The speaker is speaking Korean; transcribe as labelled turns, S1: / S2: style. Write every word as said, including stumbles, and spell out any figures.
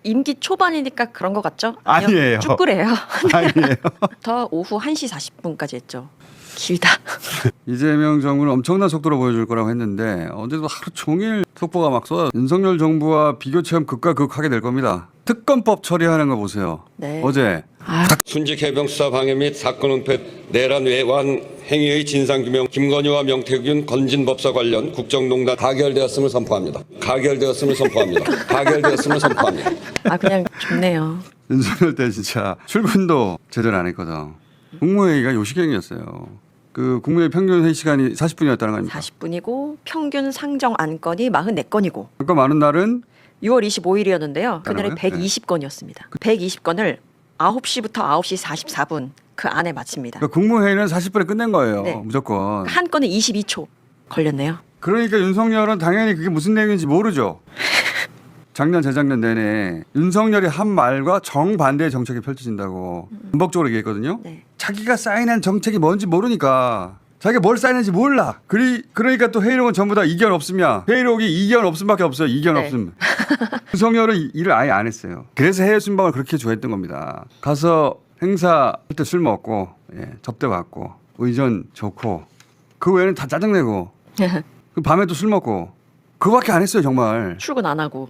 S1: 임기 초반이니까 그런 것 같죠?
S2: 아니에요.
S1: 쭉 그래요.
S2: 아니에요.
S1: 더 오후 한 시 사십 분까지 했죠. 길다.
S2: 이재명 정부는 엄청난 속도로 보여줄 거라고 했는데 언제도 하루 종일 속보가 막 쏟아. 윤석열 정부와 비교 체험 극과 극하게 될 겁니다. 특검법 처리하는 거 보세요.
S1: 네.
S2: 어제
S3: 순직 해병 수사 방해 및 사건 은폐 내란 외환 행위의 진상규명 김건희와 명태균 건진법사 관련 국정농단 가결되었음을 선포합니다. 가결되었음을 선포합니다. 가결되었음을 선포합니다.
S1: 아 그냥 좋네요.
S2: 윤석열 때 진짜 출근도 제대로 안 했거든. 국무회의가 요식행이었어요. 그 국무회의 평균 회의 시간이 사십 분이었다는 거 아닙니까?
S1: 사십 분이고 평균 상정 안건이 사십사 건이고
S2: 그러니까 많은 날은
S1: 유월 이십오일이었는데요. 그날이
S2: 다른 거요?
S1: 백이십 건이었습니다. 백이십 건을 아홉 시부터 아홉 시 사십사 분 그 안에 마칩니다.
S2: 그러니까 국무회의는 사십 분에 끝낸 거예요.
S1: 네.
S2: 무조건.
S1: 한 건에 이십이 초 걸렸네요.
S2: 그러니까 윤석열은 당연히 그게 무슨 내용인지 모르죠. 작년 재작년 내내 윤석열이 한 말과 정반대의 정책이 펼쳐진다고 반복적으로 얘기했거든요.
S1: 네.
S2: 자기가 사인한 정책이 뭔지 모르니까 자기가 뭘 사인했는지 몰라. 그리, 그러니까 또 회의록은 전부 다 이견 없음이야. 회의록이 이견 없음밖에 없어요. 이견
S1: 네.
S2: 없음. 윤석열은 이- 일을 아예 안 했어요. 그래서 해외 순방을 그렇게 좋아했던 겁니다. 가서 행사 할 때 술 먹고 예, 접대 받고 의전 좋고 그 외에는 다 짜증내고 그 밤에 또 술 먹고 그거밖에 안 했어요 정말.
S1: 출근 안 하고